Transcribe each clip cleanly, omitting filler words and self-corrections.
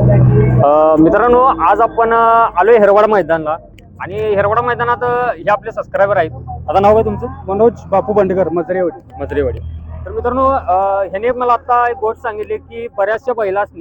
मित्रांनो, आज आपण आलोय हेरवाडा मैदानला आणि हेरवाडा मैदानात हे आपले सबस्क्रायबर आहेत. आता नाव काय तुमचं? मनोज बापू बंडेकर, मजरेवाडी. तर मित्रांनो, ह्याने मला आता एक गोष्ट सांगितली की बऱ्याचशा बैलासनी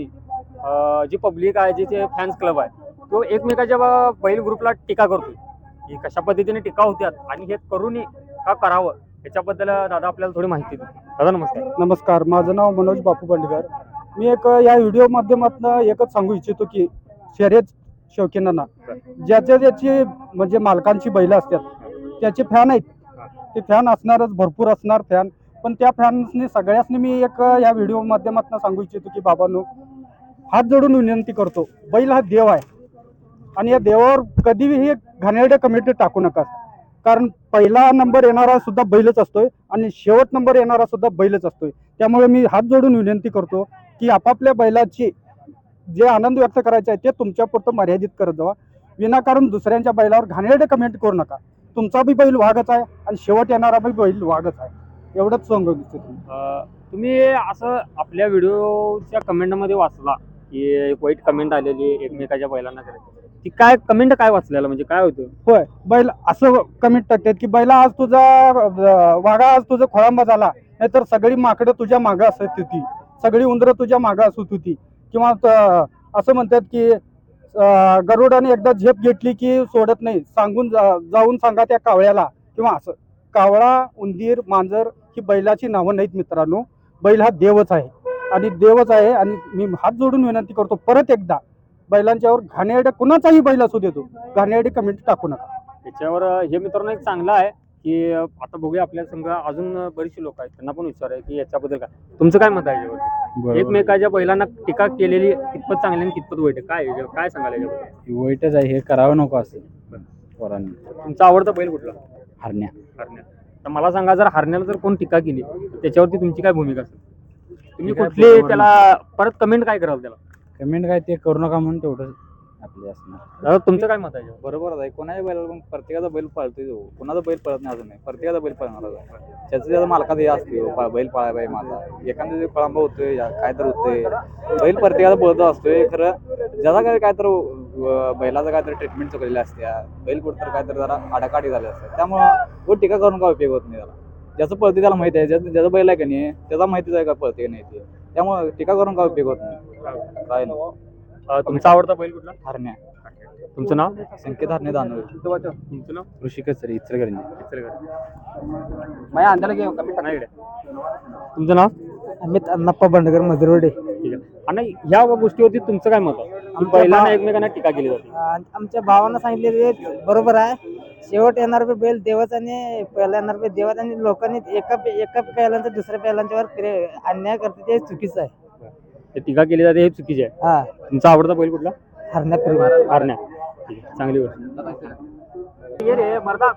जी पब्लिक आहे, जे फॅन्स क्लब आहे, तो एकमेकाच्या बैल ग्रुपला टीका करतो की कशा पद्धतीने टीका होत्यात आणि हे करूनही का करावं याच्याबद्दल दादा आपल्याला थोडी माहिती देते. दादा नमस्कार. नमस्कार, माझं नाव मनोज बापू बंडेकर. मी या व्हिडिओ माध्यमातून एकच सांगू इच्छितो की शर्यत शौकीनांना ज्याची म्हणजे मालकांची बैल असतात त्याचे फॅन आहेत, ते फॅन असणारच, भरपूर असणार फॅन. पण त्या फॅन्सनी सगळ्यांनी मी या व्हिडिओ माध्यमातून सांगू इच्छितो की बाबांनो, हात जोडून विनंती करतो, बैल हा देव आहे आणि या देवावर कधीही घाणेरडे कमेंट टाकू नका. कारण पहिला नंबर येणारा सुद्धा बैलच असतोय आणि शेवट नंबर येणारा सुद्धा बैलच असतोय. त्यामुळे मी हात जोडून विनंती करतो की आपापल्या बैलाची जे आनंद व्यक्त करायचा आहे ते तुमच्यापुरतं मर्यादित करत जावा. विनाकारण दुसऱ्यांच्या बैलावर घाणेरडे कमेंट करू नका. तुमचा बी बैल वाघच आहे आणि शेवट येणारा बी बैल वाघच आहे, एवढंच सांगू इच्छितो. तुम्ही असं आपल्या व्हिडिओच्या कमेंटमध्ये वाचला की एक वाईट कमेंट आलेली एकमेकाच्या बैलांना करायची, ती काय कमेंट काय वाचलेलं म्हणजे काय होतं? होय, बैल असं कमेंट टाकतात की बैला आज तुझा वाघा आज तुझा खोळंबा झाला, नाहीतर सगळी माकडं तुझ्या मागं असत होती, सगळी उंदरं तुझ्या मागं असत होती. किंवा असं म्हणतात की गरुडाने एकदा झेप घेतली की सोडत नाही, जाऊन सांगा त्या कावळ्याला. किंवा असं कावळा, उंदीर, मांजर ही बैलाची नावं नाहीत मित्रांनो. बैल हा देवच आहे आणि देवच आहे. आणि मी हात जोडून विनंती करतो परत एकदा, बैलांच्यावर घाणेरडे कुणाचाही बैल असू देतो, घाणेरडे कमेंट टाकू नका. त्याच्यावर हे मित्रांनो एक चांगलं आहे की आता बघूया आपल्या संघ अजून बरीचशी लोक आहेत, त्यांना पण विचार आहे की याच्याबद्दल काय तुमचं काय मत आहे याच्यावर? एकमेकाच्या बैलांना टीका केलेली कितपत चांगली आणि कितपत वाईट आहे, काय सांगायला याच्याबद्दल? वाईटच आहे, हे करावं नको असं पोरांनी. तुमचा आवडता बैल कुठला? हरण्या. तर मला सांगा, जर हरण्याला जर कोण टीका केली त्याच्यावरती तुमची काय भूमिका असेल? तुम्ही कुठली त्याला परत कमेंट काय कराल त्याला? कमेंट काय ते करू नका म्हणून तेवढं आपले असणार. दादा तुमचं काय मत आहे? बरोबर आहे. कोणाच्या बैलाला पण प्रत्येकाचा बैल पळतोय, कोणाचा बैल पळत नाही अजून नाही, प्रत्येकाचा बैल पळणारच आहे. त्याचा मालकाचा हे असते बैल पळाय पाहिजे माझा, एखाद्या खोळंबा होतोय काय तर होतोय, बैल प्रत्येकाचा पळत असतोय. खरं ज्याचा काय तर बैलाचा काय तर ट्रीटमेंट चुकलेली असते, बैल कुठं तर काय तर जरा आडाकाठी झाले असते, त्यामुळं टीका करून काय उपयोग होत नाही. त्याला ज्याचं पळते त्याला माहिती आहे, ज्याचा बैल आहे का नाही त्याचा माहितीच आहे का पळते का नाही ते, त्यामुळे टीका करून काय उपयोग होत नाही. काय नाही. तुमचा आवडता बैल कुठला? हरण्या. तुमचं नाव? संकेत हरणे दानवे. तुमचं नाव? ऋषिकेश सर, इचलकरंजी. माझ्या अंदाला घे कमेंट. तुमचं नाव? अमित अण्णाप्पा बंडेकर, मजरेवाडी. ठीक आहे. आणि ह्या गोष्टीवरती तुमचं काय मत आहे? बैलांना एकमेकांना टीका केली जाते. आमच्या भावानं सांगितले बरोबर आहे. शेवट येणार बी बैल देवच आणि पहिला येणार बी देवच, आणि लोकांनी एका पहिल्यांचा दुसऱ्या पहिल्यांच्यावर अन्याय करते ते चुकीचं आहे. टीका केली जाते हे चुकीचे आहे. हा, तुमचा आवडता बैल कुठला? हरण्या. हरण्या. ठीक आहे, चांगली गोष्ट. ये रे मर्दा,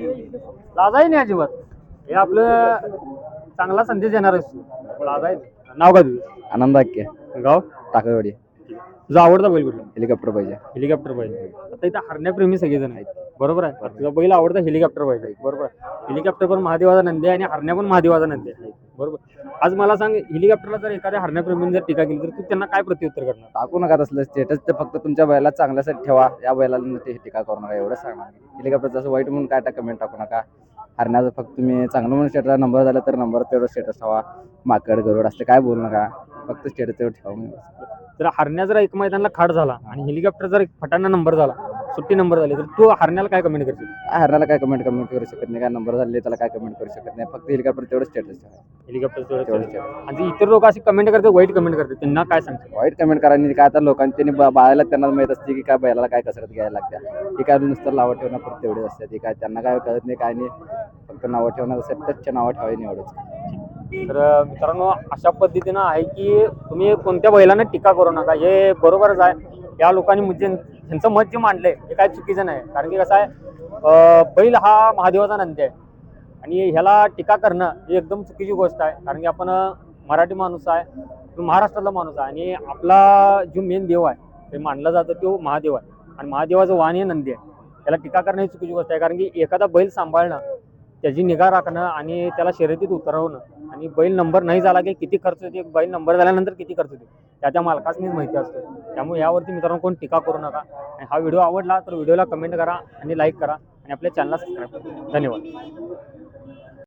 लाजाही नाही अजिबात. हे आपलं चांगला संदेश देणार आहे. लाजाय. नाव काय तुझं? आनंद आख्या, गाव? टाकावाडी. तुझा आवडता बैल कुठला? हेलिकॉप्टर पाहिजे. हेलिकॉप्टर पाहिजे. आता इथं हरण्याप्रेमी सगळेजण आहेत, बरोबर आहे. तुझा बैल आवडता हेलिकॉप्टर पाहिजे, बरोबर आहे. हेलिकॉप्टर पण महादेवाचा नंदी आहे आणि हरण्या पण महादेवाचा नंदी आहे, बरोबर. आज मला सांग, हेलिकॉप्टरला जर एखाद्या हरण्याप्रेमीने जर टीका केली तर तू त्यांना काय प्रत्युत्तर करणार? टाकू नका तसलं स्टेटस, ते फक्त तुमच्या बैला चांगल्यासाठी ठेवा, या बैलाला ते टीका करू नका एवढं सांगणार. हेलिकॉप्टर जसं वाईट म्हणून काय कमेंट टाकू नका. हरण्याचं फक्त तुम्ही चांगलं म्हणून स्टेटसला नंबर झाला तर नंबर तेवढं स्टेटस ठेवा. माकड गरुड असं काय बोलू नका, फक्त स्टेटस तेवढं ठेवा. जर हरण्या जर एक मैदानाला खाड झाला आणि हेलिकॉप्टर जर फटाना नंबर झाला, सुट्टी नंबर झाली, तर तू हरण्याला काय कमेंट करशील? हरण्याला काय कमेंट करू शकत नाही, काय नंबर झाले त्याला काय कमेंट करू शकत नाही, फक्त हेलिकॉप्टर तेवढं स्टेटस ठेवा. हेलिकॉप्टर तेवढं. आणि इतर लोक अशी कमेंट करतात, वाईट कमेंट करतात, त्यांना काय सांगतात? वाईट कमेंट करायला काय तर लोकांनी त्यांनी बाळाला त्यांना माहित असते की काय बैलाला काय कसरत घ्यायला लागते, ती काय नुसतं नावं ठेवणं फक्त तेवढेच असते. ती काय त्यांना काय कळत नाही, काय नाही, फक्त नावं ठेवणार असेल तर नावं ठेवायला एवढंच. तर मित्रांनो, अशा पद्धतीनं आहे की तुम्ही कोणत्या बैलांना टीका करू नका, हे बरोबरच आहे. या लोकांनी म्हणजे ह्यांचं मत जे मांडलंय हे काय चुकीचं नाही. कारण की कसं आहे, बैल हा महादेवाचा नंदी आहे आणि ह्याला टीका करणं ही एकदम चुकीची गोष्ट आहे. कारण की आपण मराठी माणूस आहे, तो महाराष्ट्रातला माणूस आहे आणि आपला जो मेन देव आहे ते मानला जातं तो महादेव आहे आणि महादेवाचं वाहन हे नंदी आहे. त्याला टीका करणं ही चुकीची गोष्ट आहे. कारण की एखादा बैल सांभाळणं त्याची निगा राखणं आणि त्याला शर्यतीत उतरवणं आणि बैल नंबर नाही झाला की किती खर्च येते, बैल नंबर झाल्यानंतर किती खर्च येते त्या मालकासनीच माहिती असते. त्यामुळे यावरती मित्रांनो कोण टीका करू नका. आणि हा व्हिडिओ आवडला तर व्हिडिओला कमेंट करा आणि लाईक करा आणि आपल्या चॅनलला सबस्क्राईब करा. धन्यवाद.